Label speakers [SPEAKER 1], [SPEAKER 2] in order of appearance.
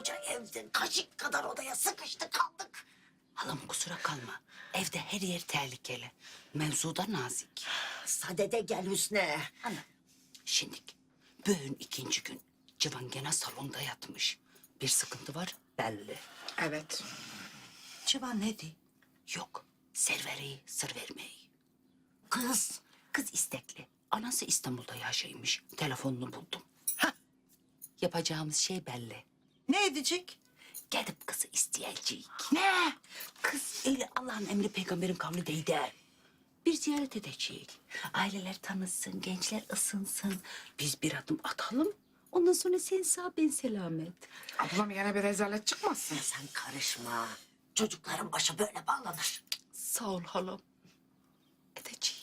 [SPEAKER 1] koskoca evde kaşık kadar odaya sıkıştı kaldık.
[SPEAKER 2] Halam kusura kalma. Evde her yer tehlikeli. Mevzuda nazik.
[SPEAKER 1] Sadede gel Hüsnü.
[SPEAKER 2] Ana, şimdik bugün ikinci gün Civan gene salonda yatmış. Bir sıkıntı var belli.
[SPEAKER 3] Evet.
[SPEAKER 2] Civan ne di? Yok, serveri sır vermeyi.
[SPEAKER 1] Kız.
[SPEAKER 2] Kız istekli. Anası İstanbul'da yaşaymış. Telefonunu buldum. Hah. Yapacağımız şey belli.
[SPEAKER 3] Ne edecek?
[SPEAKER 2] Gidip kızı isteyecek. Ne? Kız öyle Allah'ın emri peygamberin kavli değil de. Bir ziyaret edecek. Aileler tanısın, gençler ısınsın. Biz bir adım atalım. Ondan sonra sen sağ ben selamet.
[SPEAKER 3] Ablam yine bir rezalet çıkmasın.
[SPEAKER 1] Sen karışma. Çocukların başı böyle bağlanır.
[SPEAKER 2] Sağ ol halam. Edecek.